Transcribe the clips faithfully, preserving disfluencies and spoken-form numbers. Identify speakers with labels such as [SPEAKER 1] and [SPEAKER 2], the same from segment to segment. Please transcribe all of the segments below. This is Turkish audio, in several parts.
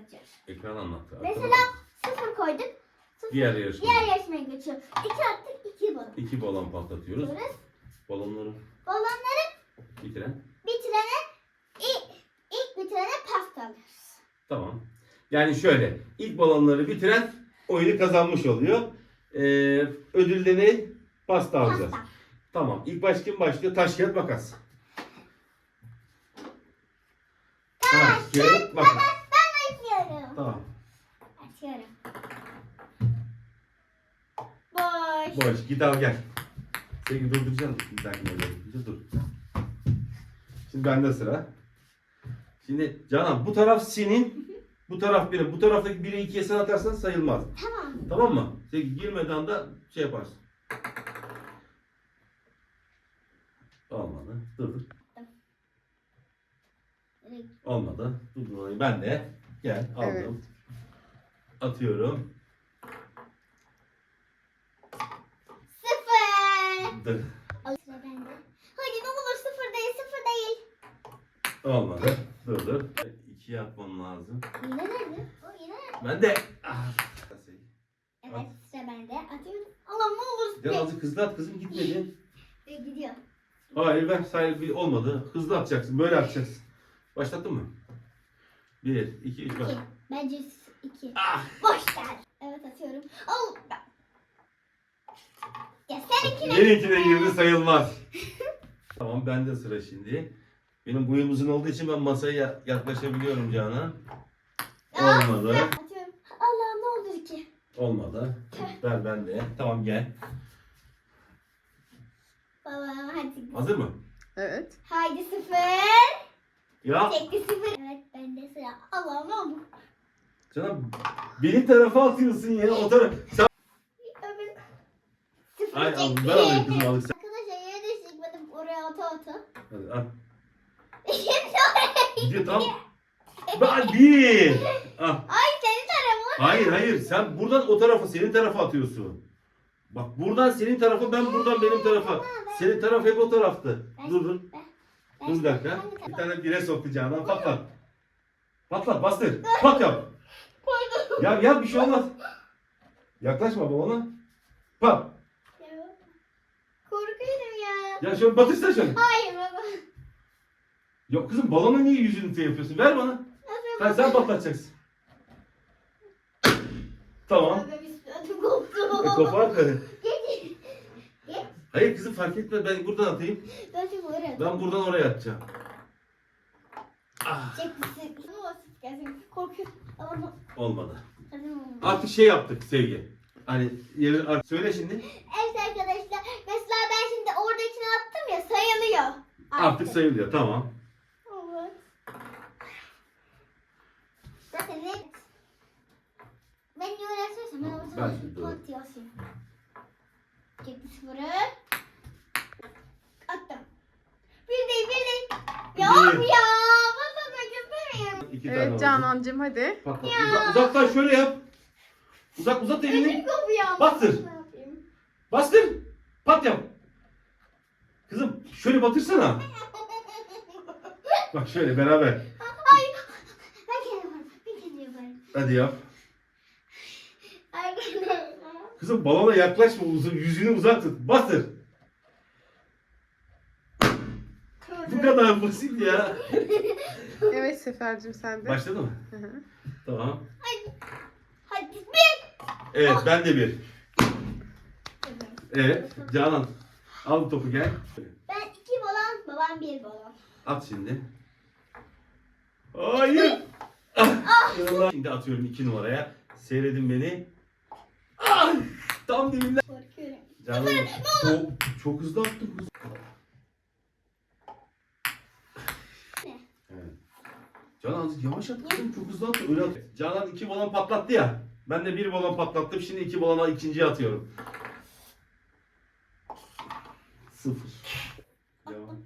[SPEAKER 1] anlatacağız.
[SPEAKER 2] Ekran anlattı.
[SPEAKER 1] Mesela sıfır koyduk. Sıfır.
[SPEAKER 2] Diğer yarışma.
[SPEAKER 1] Diğer yarışmaya geçiyor. İki attık, iki balon.
[SPEAKER 2] İki balon patlatıyoruz.
[SPEAKER 1] Atıyoruz.
[SPEAKER 2] Balonları
[SPEAKER 1] Balonları
[SPEAKER 2] bitiren.
[SPEAKER 1] bitirene, ilk, ilk bitirene pasta alıyoruz.
[SPEAKER 2] Tamam. Yani şöyle. İlk balonları bitiren oyunu kazanmış oluyor. Ee, ödülde ne? Pasta alacağız.
[SPEAKER 1] Pasta.
[SPEAKER 2] Tamam. İlk baş kim başlıyor? Taş, kağıt, makas. Taş, kağıt, makas.
[SPEAKER 1] Ben açıyorum.
[SPEAKER 2] Tamam.
[SPEAKER 1] Açıyorum. Boş.
[SPEAKER 2] Boş. Git al gel. Seni durduracağım. Bir dakika öyle. Dur. Şimdi bende sıra. Şimdi Canan bu taraf senin. Bu taraf benim. Bu taraftaki biri ikiye sen atarsan sayılmaz.
[SPEAKER 1] Tamam.
[SPEAKER 2] Tamam mı? Sen girmeden de şey yaparsın. Olmadı. Dur dur. Olmadı. Dur dur. Ben de. Gel aldım.
[SPEAKER 3] Evet.
[SPEAKER 2] Atıyorum.
[SPEAKER 1] Sıfır.
[SPEAKER 2] Dur.
[SPEAKER 1] Al sıra bende. Hadi ne olur sıfır değil, sıfır değil.
[SPEAKER 2] Olmadı. Dur dur. İkiye atmam lazım.
[SPEAKER 1] Yine nerede? O yine nerede?
[SPEAKER 2] Ben de. Ah.
[SPEAKER 1] Evet sıra bende. Atıyorum. Allah'ım ne olur.
[SPEAKER 2] Gel azıcık hızlı at kızım gitmedi.
[SPEAKER 1] Ve gidiyor.
[SPEAKER 2] Hayır ver sahibi olmadı. Hızlı atacaksın. Böyle atacaksın. Başlattın mı? Bir, iki, üç, bak.
[SPEAKER 1] İki. Bence iki.
[SPEAKER 2] Ah!
[SPEAKER 1] Boş ver. Evet atıyorum. Al. Ya seninkine.
[SPEAKER 2] Benimkine girdi sayılmaz. Tamam bende sıra şimdi. Benim boyum uzun olduğu için ben masaya ya- yaklaşabiliyorum Canan. Olmadı.
[SPEAKER 1] Atıyorum. Allah'ım ne olur ki.
[SPEAKER 2] Olmadı. Ver ben de. Tamam gel.
[SPEAKER 1] Baba hadi.
[SPEAKER 2] Hazır mı?
[SPEAKER 3] Evet.
[SPEAKER 1] Haydi sıfır.
[SPEAKER 2] Ya
[SPEAKER 1] Çekti sıfır. Evet bende sıra. Allah'ım ne olur.
[SPEAKER 2] Canan benim tarafa atıyorsun ya. O taraf. Sen...
[SPEAKER 1] Öbür. Sıfır
[SPEAKER 2] Ay al,
[SPEAKER 1] çekti.
[SPEAKER 2] ver alayım kızım al sen.
[SPEAKER 1] Arkadaşlar yere de çıkmadım oraya ata ata.
[SPEAKER 2] Hadi al.
[SPEAKER 1] Şimdi oraya.
[SPEAKER 2] Gidiyor tam. Ben bir. Al.
[SPEAKER 1] Ay senin tarafın.
[SPEAKER 2] Hayır hayır sen buradan o tarafa senin tarafa atıyorsun. Bak buradan senin tarafa ben buradan benim tarafa. Senin taraf hep o taraftı. Dur dur.
[SPEAKER 1] Ben-
[SPEAKER 2] Dur bir dakika.
[SPEAKER 1] Hangi
[SPEAKER 2] Bir
[SPEAKER 1] taraf?
[SPEAKER 2] tane bire soktu Canan patlat. Patlat bastır. Pat yap.
[SPEAKER 1] Koydum.
[SPEAKER 2] Ya ya bir şey olmaz. Yaklaşma babana. Pat.
[SPEAKER 1] Ya, korkuyorum ya.
[SPEAKER 2] Ya şöyle batırsa şöyle.
[SPEAKER 1] Hayır baba.
[SPEAKER 2] Yok kızım balona niye yüzünü şey yapıyorsun? Ver bana.
[SPEAKER 1] Nasıl
[SPEAKER 2] Sen, sen patlatacaksın. Tamam.
[SPEAKER 1] Baba bir ödüm koptu.
[SPEAKER 2] E, kopar karı.
[SPEAKER 1] Geç. Geç.
[SPEAKER 2] Hayır kızım fark etme ben buradan atayım.
[SPEAKER 1] Ben şimdi oraya.
[SPEAKER 2] Ben buradan oraya atacağım. Ah,
[SPEAKER 1] Çekmişsin. Ne olsun gelsin. Korkuyorum. Ama
[SPEAKER 2] olmadı.
[SPEAKER 1] hadi ne olur.
[SPEAKER 2] Artık şey yaptık Sevgi. Hani yeri artık söyle şimdi.
[SPEAKER 1] Evet arkadaşlar. Mesela ben şimdi oradakini attım ya sayılıyor.
[SPEAKER 2] Artık sayılıyor tamam.
[SPEAKER 1] Evet. Zaten ne? Ben niye öyle söylesem ben o
[SPEAKER 2] Ben
[SPEAKER 1] zaman
[SPEAKER 2] şimdi
[SPEAKER 1] pat yazayım. Çekti sıfırı. Attım. Bir değil bir değil. Ya
[SPEAKER 2] Bir.
[SPEAKER 1] of ya. Patlamak istemiyorum.
[SPEAKER 2] İki tane
[SPEAKER 3] Evet
[SPEAKER 2] oldu.
[SPEAKER 3] Canancığım hadi.
[SPEAKER 2] Patlat. Uzak, uzaktan şöyle yap. Uzak uzat
[SPEAKER 1] Elim
[SPEAKER 2] elini.
[SPEAKER 1] kopuyor.
[SPEAKER 2] Bastır.
[SPEAKER 1] Ne yapayım?
[SPEAKER 2] Bastır. Pat yap. Kızım şöyle batırsana. Bak şöyle beraber.
[SPEAKER 1] Hayır. Ben kendim yaparım. Ben kendim yaparım.
[SPEAKER 2] Hadi yap.
[SPEAKER 1] Arkadaşlar.
[SPEAKER 2] Kızım balona yaklaşma uzun yüzünü uzak tut. Bastır. Bu kadar basit ya.
[SPEAKER 3] Evet Sefer'cim sen de.
[SPEAKER 2] Başladı mı?
[SPEAKER 3] Hı hı.
[SPEAKER 2] Tamam.
[SPEAKER 1] Hadi bir.
[SPEAKER 2] Evet ben de bir. Evet Canan. Al topu gel.
[SPEAKER 1] Ben iki balon, babam bir balon.
[SPEAKER 2] At şimdi. Hayır. Ah. Allah. Şimdi atıyorum iki numaraya. Seyredin beni. Ah. Tam dibinden.
[SPEAKER 1] Korkuyorum.
[SPEAKER 2] Canan çok, çok hızlı attın kız.
[SPEAKER 1] Ne?
[SPEAKER 2] Evet. Canan azıcık yavaş at kızım çok hızlı attı. Öyle at. Canan iki balon patlattı ya. Ben de bir balon patlattım. Şimdi iki balona ikinciye atıyorum. Sıfır. Devam.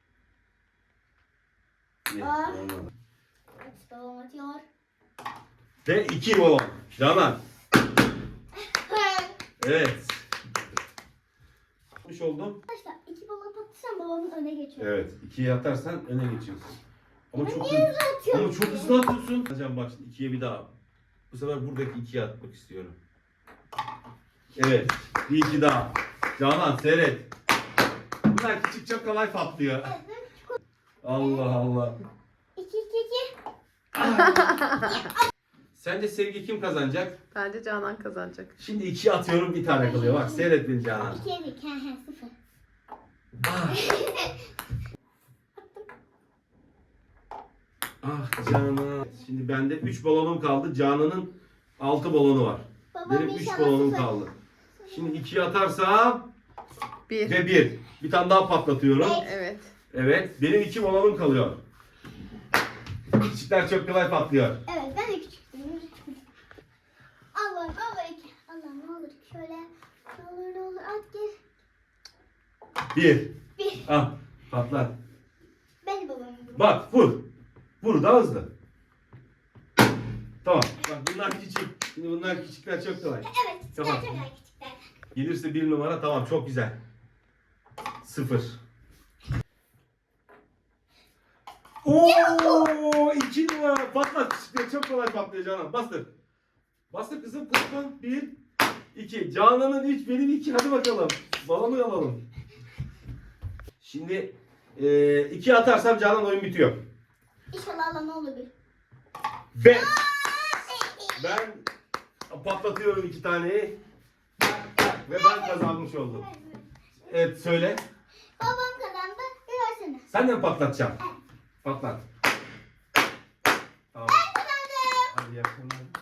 [SPEAKER 2] Ne?
[SPEAKER 1] Ah.
[SPEAKER 2] Olmadı.
[SPEAKER 1] Üç balon atıyor.
[SPEAKER 2] Ve iki balon. Canan. Evet. Yapmış oldum.
[SPEAKER 1] Arkadaşlar iki balon patlatsam babamın öne geçiyor.
[SPEAKER 2] Evet. ikiye atarsan öne geçiyorsun. Ama
[SPEAKER 1] Ben
[SPEAKER 2] çok
[SPEAKER 1] niye
[SPEAKER 2] hızlı,
[SPEAKER 1] hızlı atıyorum
[SPEAKER 2] ama çok
[SPEAKER 1] ki?
[SPEAKER 2] hızlı atıyorsun. Hocam bak şimdi ikiye bir daha. Bu sefer buradaki ikiye atmak istiyorum. Evet. Bir iki daha. Canan seyret. Bunlar küçük çok kolay patlıyor.
[SPEAKER 1] Evet, ben çok-
[SPEAKER 2] Allah Allah.
[SPEAKER 1] İki iki iki.
[SPEAKER 2] Sence Sevgi kim kazanacak?
[SPEAKER 3] Bence Canan kazanacak.
[SPEAKER 2] Şimdi ikiye atıyorum bir tane kalıyor. Bak seyret beni Canan.
[SPEAKER 1] İkiye iki. He he sıfır.
[SPEAKER 2] Ah. Ah Canan. Şimdi bende üç balonum kaldı. Canan'ın altı balonu var.
[SPEAKER 1] Babam
[SPEAKER 2] Benim üç
[SPEAKER 1] inşallah
[SPEAKER 2] balonum
[SPEAKER 1] sıfır.
[SPEAKER 2] kaldı. Şimdi ikiye atarsam
[SPEAKER 3] Bir.
[SPEAKER 2] ve bir. Bir tane daha patlatıyorum.
[SPEAKER 3] Evet.
[SPEAKER 2] Evet. Benim iki balonum kalıyor. Küçükler çok kolay patlıyor.
[SPEAKER 1] Evet ben de küçüktüm. Allah ne olur iki. Allah ne olur şöyle. Ne olur ne olur at gir.
[SPEAKER 2] Bir.
[SPEAKER 1] Bir.
[SPEAKER 2] Ah patlat.
[SPEAKER 1] Ben de babamın bunu.
[SPEAKER 2] Bak vur. Vur daha hızlı. Tamam. Bak bunlar küçük. Şimdi bunlar küçükler çok kolay.
[SPEAKER 1] Evet küçükler
[SPEAKER 2] Tamam.
[SPEAKER 1] çok ay küçükler.
[SPEAKER 2] Gelirse bir numara tamam çok güzel. Sıfır. Oo iki numara patlat küçükler çok kolay patlıyor Canan. Bastır. Bastır kızım kızım. Bir. iki. Canan'ın üç benim iki. Hadi bakalım. Balonu alalım. Şimdi e, iki atarsam Canan oyun bitiyor.
[SPEAKER 1] İnşallah Allah ne olur bir.
[SPEAKER 2] Beş. Ben patlatıyorum iki taneyi. Ve ben kazanmış oldum. Evet söyle.
[SPEAKER 1] Babam kazandı. Görsene.
[SPEAKER 2] Sen de mi patlatacaksın? Patlat. Tamam.
[SPEAKER 1] Ben kazandım.
[SPEAKER 2] Hadi iyi akşamlar.